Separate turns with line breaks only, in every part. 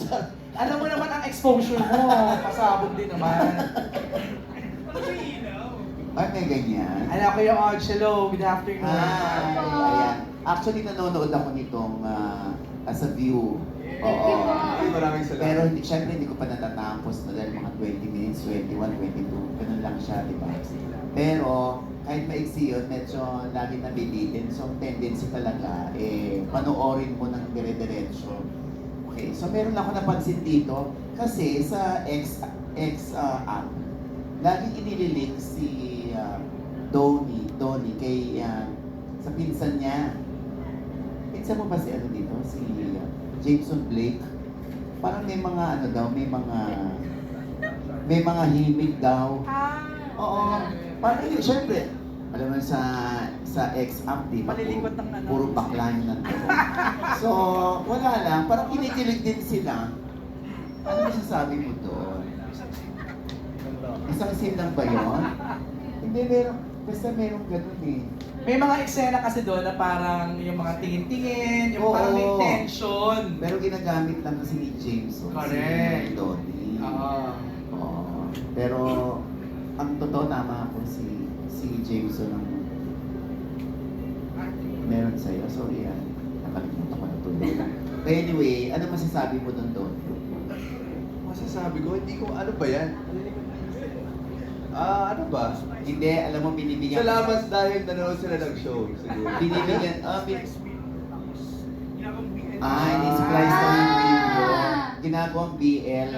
Alam mo naman ang exposure mo, pasabog din naman.
Ay, may ganyan.
Alam ko yung Angelo, good afternoon.
Ay, ayan. Actually, nanonood ako nitong as a view. Oo.
Ay, maraming salamat.
Pero syempre hindi ko pa natatapos na dahil mga 20 minutes, 21, 22. Ganun lang siya, di ba? Pero kahit maiksi yun, medyo lagi nabibitin. So, ang tendency talaga, panoorin mo ng dire-diretso. Okay, so meron ako napansin dito kasi sa app, laging inililink si Donnie kay sa pinsan niya. Pinsan mo ba si ano dito? Si Jameson Blake. Parang may mga ano daw, may mga himig daw. Oo. Parang yun, syempre, alam mo sa X-App, di ba?
Palilingkot ng ano.
Puro bakla yun nandun. So, wala lang. Parang kinikilig din sila. Ano masasabi mo doon? Isang scene lang ba yun? Hindi, basta merong ganun eh.
May mga eksena kasi doon na parang yung mga tingin-tingin, yung
Oo.
parang may tension.
Pero ginagamit lang kasi ni James.
Correct.
Si Donnie.
Oo.
Oo. Pero, ang totoo tama ako si Jameson ang meron sa'yo. Sorry nakalimutan ko na tuloy. But anyway, ano masasabi mo doon?
Masasabi ko, hindi ko, ano ba yan? Ano ba?
Hindi, alam mo, binibigyan
Salamat dahil nanonood sila ng show, siguro.
Binibigyan, in-splice lang yung video. Ginagawang BL.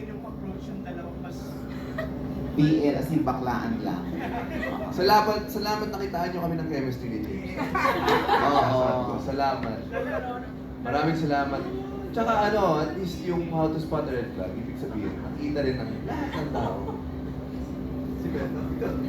BL as in baklaan lang.
Salamat nakitaan nyo kami ng chemistry ni James.
Oo.
Salamat. Maraming salamat. Tsaka ano, at least yung how to spot a red flag, ibig sabihin, nakita rin ng lahat ng tao. Si Bella,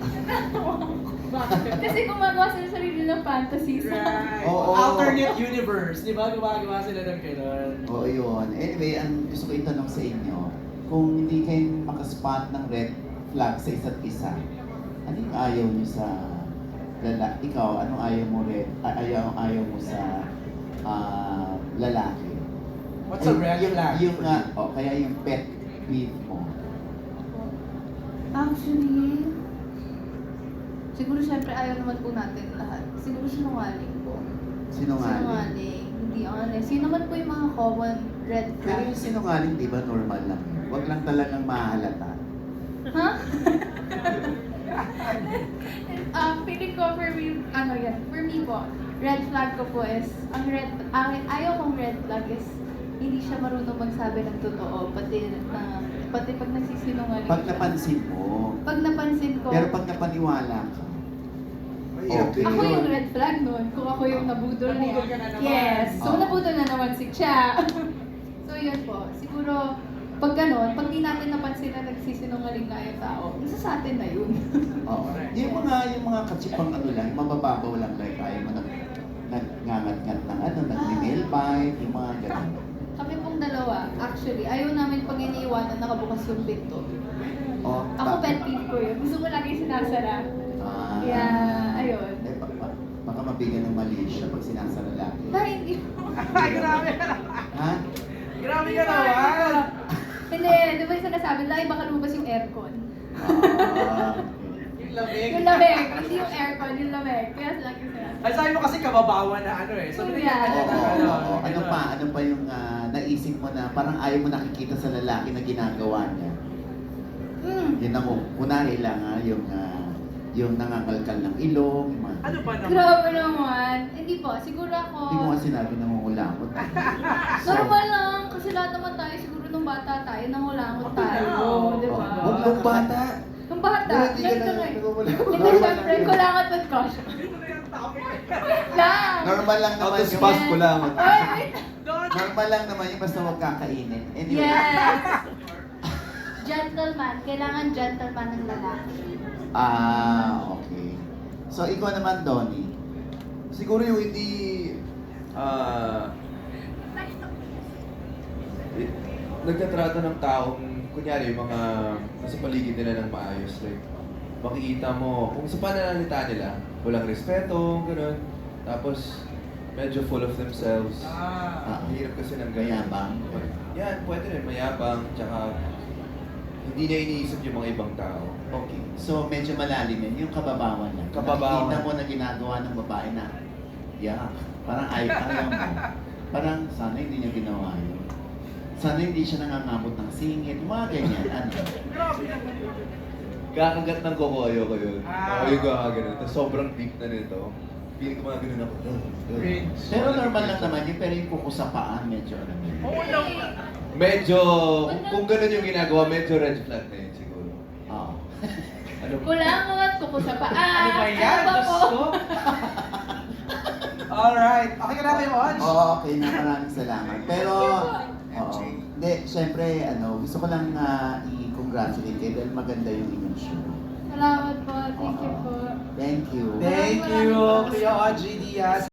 Kasi gumagawa sila sa sarili ng fantasies.
Right.
Oo.
Alternate universe, di ba? Gumagawa sila ng gano'n.
Oo, yun. Anyway, ang gusto ko itanong sa inyo, kung hindi kayo makaspot ng red flag sa isa't isa, ano yung ayaw nyo sa ikaw, anong ayaw mo ayaw mo sa lalaki?
What's a red flag?
Yung kaya yung pet peeve mo.
Actually, siguro syempre ayaw naman po natin lahat. Siguro sinungaling po.
Sinungaling.
Hindi honest. Yun naman po yung mga common red
Pero yung
flags.
sinungaling, di ba, normal lang yun? Huwag lang talagang mahalata.
Ha? Feeling ko for me, for me po, red flag ko po is, ayaw kong red flag is, hindi siya marunong magsabi ng totoo, pati pag nagsisinungaling
Pag
siya.
napansin mo,
Pag napansin ko,
pero pag napaniwala ka,
mahirap din
ako
yun.
yung red flag nun, kung ako yung nabudol niya.
Nabudol ka na naman.
Yes, so
Oo.
nabudol na naman si Cha. So yun po, siguro, pag ganon, pag di natin napansin na nagsisinungaling na yung tao, isa sa atin na yun.
oo. Yung mga katsipang ano lang, mabababaw lang, like ayaw mo nagngangat-ngat ng nag-nail bite, yung mga ganun.
Kami pong dalawa, actually, ayaw namin pag iniiwanan nakabukas yung pinto.
Oh,
Ako pet peeve ko yun. Gusto ko lagi sinasara. Kaya, ayun.
Baka mabigyan ng mali siya pag sinasara lagi.
Ay, hindi.
Ay, grabe ka naman.
Ha?
Grabe ka naman.
Hindi, di ba yung sinasabi, lagi baka lumabas yung aircon.
Ah,
Yung lamig.
Yung lamig, hindi yung aircon, yung lamig. Kaya lagi sinasabi.
Ay, sabi mo kasi kababawan na ano eh. So, binigyan ka niya
oo,
ng
oo, oo. Ano
ganun.
pa yung naisip mo na parang ayaw mo nakikita sa lalaki na ginagawa niya? Yun ang kunari lang yung nangangalkal ng ilong, yung mga...
Ano ba naman?
Grabe naman. Hindi po, siguro ako...
Hindi mo nga sinabi nangungulangot.
Normal lang, kasi lahat naman tayo, siguro nung bata tayo, nangulangot tayo. Di ba?
Huwag lang bata.
Nung bata,
Hindi ka
ganito
na
nga eh.
nangungulangot.
Hindi, syempre, kulangot with caution. Lang!
Normal lang naman
Out of
yung...
spot ko lang.
Oy, wait!
Normal lang naman yung basta huwag kakainin. Anyway.
Yes! Gentleman. Kailangan gentleman ng lalaki.
Okay. So, ikaw naman, Donnie.
Siguro yung hindi nagtatrato ng taong, kunyari, yung mga nasa paligid nila ng maayos. Like, makikita mo, kung sa pananalita nila, walang respeto, gano'n. Tapos, medyo full of themselves.
Ah.
Hirap kasi ng ganyan.
Mayabang.
Yan, pwede rin. Mayabang, tsaka hindi niya iniisip yung mga ibang tao.
Okay. So, medyo malalim yun. Yung kababawan lang.
Kababawan.
Nakikita mo na ginagawa ng babae na, yeah, parang ayaw mo. Parang sana hindi niya ginawa yun. Sana hindi siya nangangamot ng singit. Mga ganyan. Ano?
Kakagat ng koko, ayoko yun.
Ah.
Ayoko kakagat. Tapos sobrang deep na nito. Feeling ko mga ganun ako.
Cringe.
Pero normal lang naman yun. Pero yung kuko sa paan, medyo ano yun.
Oo naman.
Medyo, kung ganun yung ginagawa, medyo red flag na yun siguro.
Oo.
Ano ba?
Kulangot, kuko sa paa.
Ano ba yan?
Ano ba
Diyos
po?
ko. Alright. Okay ka na kayo, Oj?
Oo, okay na. Maraming salamat. Pero, oo. Hindi, syempre, gusto ko lang i-congratulate kayo dahil maganda yung inyong show.
Salamat po. Thank you po.
Thank you.
Thank you, Kuya Audrey Diaz.